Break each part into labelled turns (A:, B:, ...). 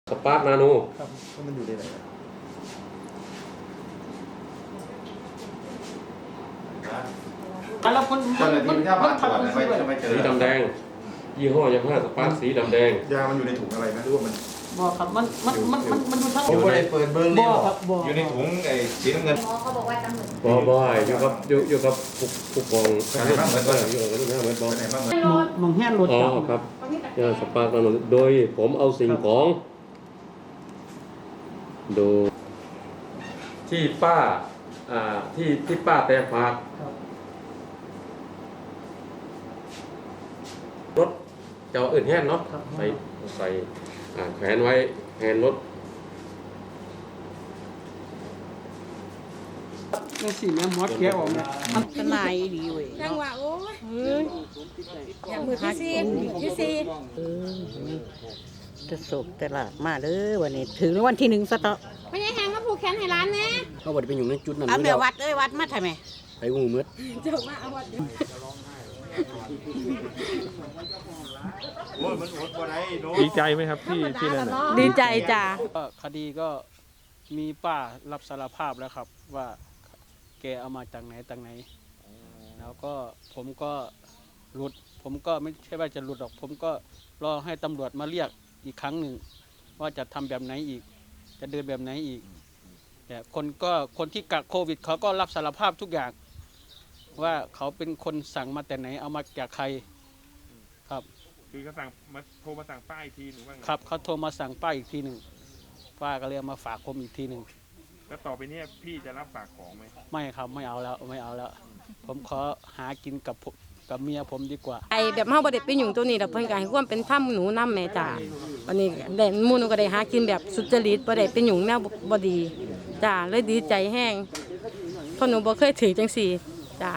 A: สปาร์คนาโน
B: ครับมันอยู่ในไหน
C: แล้วคน
D: เจ้าหน้าที่ถ้าผ่านตรวจไม่เจอ
A: สีดำแดงยี่ห้อยามาฮ่าสปาร์คสีดำแดง
B: ยามันอยู่ในถุงอะไรนะหรือว่ามัน
C: บอกครับมันดูทั้ง
B: ผมไม่ได้เปิดเบอร์เลย
C: ครับบอก
D: อยู่ในถุงไอ้สีน้ำเงิน
E: เขาบอกว่าตำรวจ
A: บ่อยู่กับผู้กองอยู่กับลูกน้าเหมือนบ่
C: มองแห่รถ
A: อ๋อครับยาสปาร์คนาโนโดยผมเอาสิ่งของดูที่ป้าที่ป้าแต่ฝากรถเจ้าอื่นแห้นเนาะใส่แขวนไว้แฮนรถ
C: นี่สิแม่มอสแกออกเนี่ย
F: สนายดีเว้ยจังหวะโอ้ยมือที่สี่จะสบแต่ละมาเด้อวันนี้ถึงวันที่1สต๊อก
E: ไม่ใช่แหงมาผูกแขนให้ร้านแน่
A: เขาบอกเป็นอยู่ในจุดนั้น
F: เอาแม่วัดเอ้ยวัดมาทำไม
A: ไปงูมืด
E: เจ้ามาเอาวัด
G: ดีใจไหมครับที่นั่น
F: ดีใจจ้า
C: คดีก็มีป้ารับสารภาพแล้วครับว่าแกเอามาจากไหนแล้วก็ผมก็หลุดผมก็ไม่ใช่ว่าจะหลุดหรอกผมก็รอให้ตำรวจมาเรียกอีกครั้งหนึ่งว่าจะทำแบบไหนอีกจะเดินแบบไหนอีกแต่คนที่กักโควิดเขาก็รับสารภาพทุกอย่างว่าเขาเป็นคนสั่งมาแต่ไหนเอามาจากใครครับ
G: คือเขาสั่งมาโทรมาสั่งป้าอีกทีหรือว่าไง
C: ครับเขาโทรมาสั่งป้าอีกทีหนึ่งป้าก็เลยมาฝากผมอีกทีหนึ่ง
G: แล้วต่อไปนี้พี่จะรับฝากของไหม
C: ไม่ครับไม่เอาแล้วผมขอหากินกับเมียผมดีกว่า
F: ไอแบบเฮาบ่ได้ไปยุ่งตัวนี้ดอกเพิ่นก็ให้ความเป็นธรรมหนูนำแม่จ้าวันนี้ได้หมู่หนูก็ได้หากินแบบสุจริตบ่ได้ไปยุ่งแนวบ่ดีจ้าเลยดีใจแฮงเพราะหนูบ่เคยถือจังซี่จ้า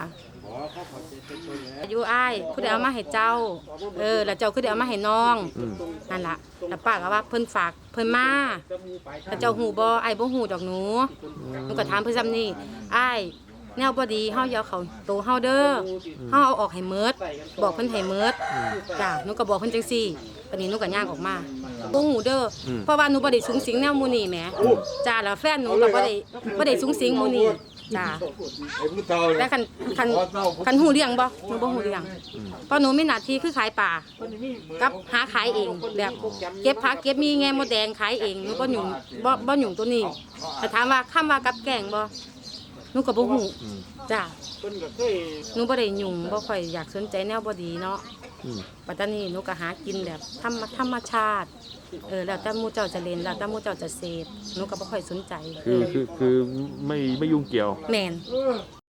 F: อยู่อ้ายผู้ใดเอามาให้เจ้าแล้วเจ้าคือได้เอามาให้น้องนั่นล่ะแล้วป้าก็ว่าเพิ่นฝากเพิ่นมาแล้วเจ้าฮู้บ่อ้ายบ่ฮู้ดอกหนูก็ถามเพิ่นซ้ำนี่อ้ายแนวบ่ดีเฮาอย่าเข้าโตเฮาเด้อเฮาเอาออกให้หมดบอกเพิ่นให้หมดจ้าหนูก็บอกเพิ่นจังซี่ปานนี้หนูก็ย่างออกมาบ่ฮู้เด้อเพราะว่าหนูบ่ได้สูงสิงแนวหมู่นี้แหมจ้าแล้วแฟนหนูก็บ่ได้สูงสิงหมู่นี้จ้าแต่คันหูเลี้ยงบ่หนูบ่หูเลี้ยงเพราะหนูมีหน้าที่คือขายปลากับหาขายเองแบบเก็บผักเก็บมีแง่มดแดงขายเองหนูบ่หยุ่งตัวนี้แต่ถามว่าคำว่ากับแกงบ่หนูก็บ่ฮู้จ้าหนูบ่ได้ยุ่งบ่ค่อยอยากสนใจแนวบ่ดีเนาะปัตตานีหนูก็หากินแบบธรรมชาติแล้วแต่หมู่เจ้าจะเล่นแล้วแต่หมู่เจ้าจะเสพหนูก็บ่ค่อยสนใจ
G: คือไม่ยุ่งเกี่ยว
F: แม่น